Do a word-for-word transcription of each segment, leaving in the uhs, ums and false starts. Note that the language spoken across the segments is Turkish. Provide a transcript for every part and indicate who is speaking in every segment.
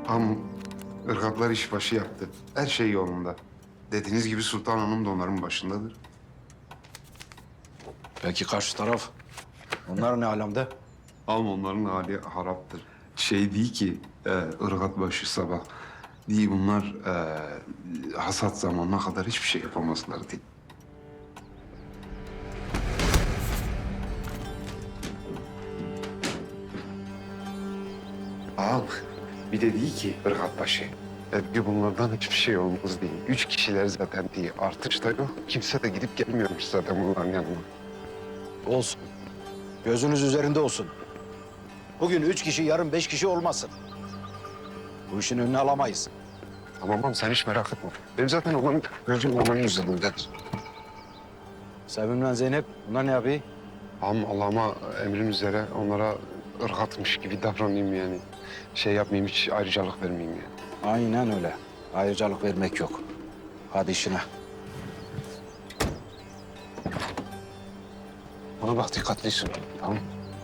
Speaker 1: Am ırgatlar işbaşı yaptı. Her şey yolunda. Dediğiniz gibi Sultan Hanım da onların başındadır.
Speaker 2: Peki karşı taraf? Onlar ne alemde?
Speaker 1: Am onların hali haraptır. Şey değil ki e, ırgat başı sabah. Değil bunlar e, hasat zamanına kadar hiçbir şey yapamazlar değil. Ağam bir de değil ki ırgat başı. E, bir bunlardan hiçbir şey olmaz değil. Üç kişiler zaten değil. Artış da yok. Kimse de gidip gelmiyormuş zaten bunların yanına.
Speaker 2: Olsun. Gözünüz üzerinde olsun. Bugün üç kişi, yarın beş kişi olmasın. Bu işin önüne alamayız.
Speaker 1: Tamam ağam sen hiç merak etme. Benim zaten onun gözüm onların üzerindedir.
Speaker 2: Sevim'le Zeynep, bunlar ne yapıyor?
Speaker 1: Ağam Allah'ıma emrim üzere onlara ırgatmış gibi davranayım yani. Şey yapmayayım, hiç ayrıcalık vermeyeyim yani.
Speaker 2: Aynen öyle. Ayrıcalık vermek yok. Hadi işine.
Speaker 1: Bana bak dikkatlisin, tamam.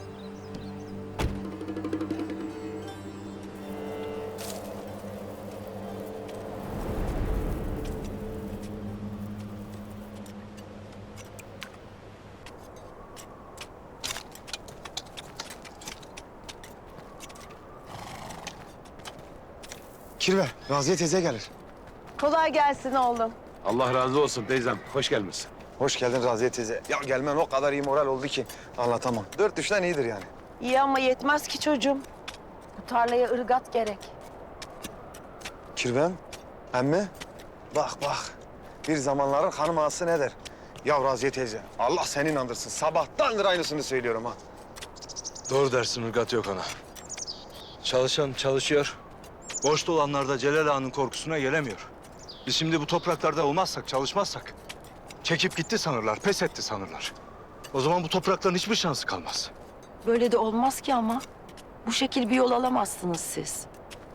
Speaker 3: Kirve, Raziye teyze gelir.
Speaker 4: Kolay gelsin oğlum.
Speaker 5: Allah razı olsun teyzem. Hoş gelmişsin.
Speaker 3: Hoş geldin Raziye teyze. Ya gelmen o kadar iyi moral oldu ki anlatamam. Dört düşten iyidir yani.
Speaker 4: İyi ama yetmez ki çocuğum. Bu tarlaya ırgat gerek.
Speaker 3: Kirvem, emmi, bak bak. Bir zamanların hanım ağası ne der? Ya Raziye teyze, Allah seni inandırsın. Sabahtandır aynısını söylüyorum ha.
Speaker 5: Doğru dersin, ırgat yok ana. Çalışan çalışıyor. Boşta olanlar da Celal Ağa'nın korkusuna gelemiyor. Biz şimdi bu topraklarda olmazsak, çalışmazsak... çekip gitti sanırlar, pes etti sanırlar. O zaman bu toprakların hiçbir şansı kalmaz.
Speaker 4: Böyle de olmaz ki ama. Bu şekil bir yol alamazsınız siz.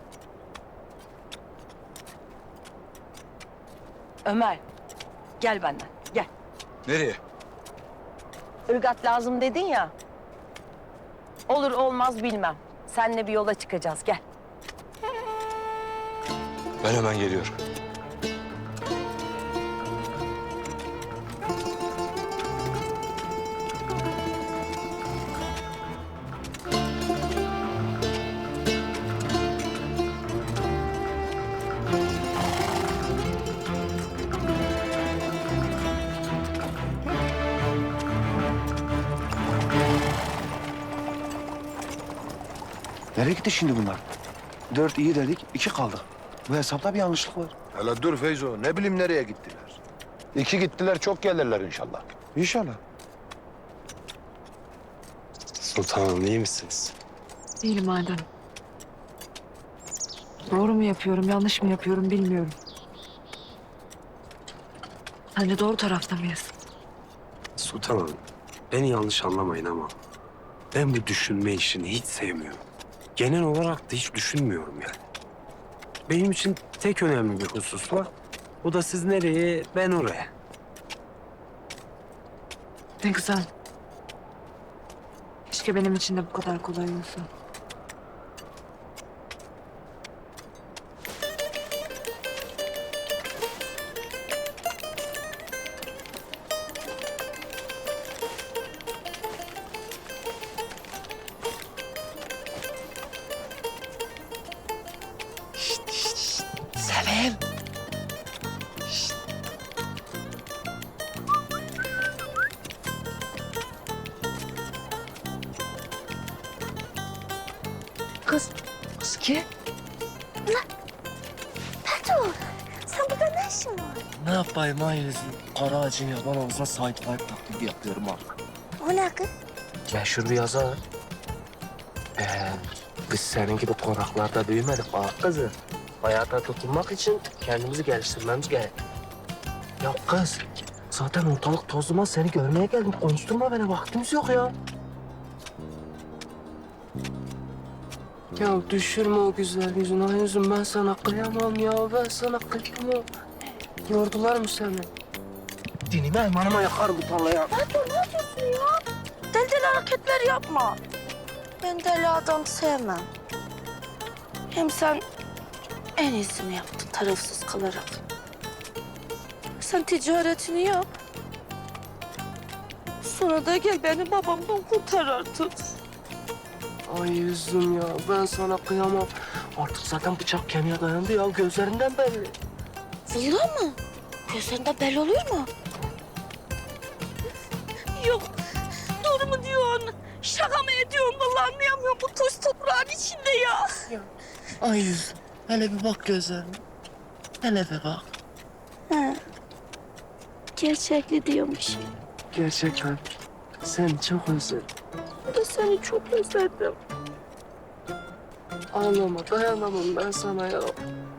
Speaker 4: Ömer, gel benden, gel.
Speaker 5: Nereye?
Speaker 4: Irgat lazım dedin ya. Olur olmaz bilmem. Seninle bir yola çıkacağız, gel.
Speaker 5: Ben hemen geliyorum.
Speaker 3: Nereye gitti şimdi bunlar? Dört iyi dedik, iki kaldık. Bu hesapta bir yanlışlık var.
Speaker 6: Hele dur Feyzo, ne bileyim nereye gittiler. İki gittiler, çok gelirler inşallah.
Speaker 3: İnşallah.
Speaker 7: Sultanım iyi misiniz?
Speaker 8: Değilim Halide Hanım. Doğru mu yapıyorum, yanlış mı yapıyorum bilmiyorum. Sence doğru tarafta mıyız?
Speaker 7: Sultanım beni yanlış anlamayın ama ben bu düşünme işini hiç sevmiyorum. Genel olarak da hiç düşünmüyorum yani. Benim için tek önemli bir husus var. O da siz nereye, ben oraya.
Speaker 8: Ne güzel. Keşke benim için de bu kadar kolay olsa.
Speaker 4: Sevim. Kız, kız ki?
Speaker 9: Sen burada ne işin var?
Speaker 10: Ne yapayım ailesi? Kara ağacın yaban ağzına sahip sahip taklidi yapıyorum artık.
Speaker 9: O ne kız?
Speaker 10: Meşhur bir yazar. Ee, biz senin gibi konaklarda büyümedik ah kızı. Hayata tutunmak için kendimizi geliştirmemiz gerek. Ya kız, zaten ortalık toz duman, seni görmeye geldim. Konuşturma beni, vaktimiz yok ya. Ya düşürme o güzel yüzünü, ay yüzüm, ben sana kıyamam ya, ben sana kıyamam. Yordular mı seni? Dinime emanıma yakar bu tarlaya.
Speaker 9: Ben dur ne yapıyorsun ya? Deli deli hareketler yapma. Ben deli adam sevmem. Hem sen En iyisini yaptın tarafsız kalarak. Sen ticaretini yap. Sonra da gel beni babamdan kurtar artık.
Speaker 10: Ay yüzüm ya, ben sana kıyamam. Artık zaten bıçak kemiğe dayandı ya, gözlerinden belli.
Speaker 9: Vallahi mı? Gözlerinden belli oluyor mu? Yok. Doğru mu diyorsun? Şaka mı ediyorsun? Vallahi anlayamıyorum bu toz toprağın içinde ya.
Speaker 10: Ay yüzüm, hele bir bak gözlerine. Hele bir bak.
Speaker 9: He. Gerçekli diyormuş.
Speaker 10: Gerçekten seni çok özledim.
Speaker 9: Ben de seni çok özledim.
Speaker 10: Ağlama, dayanamam ben sana ya.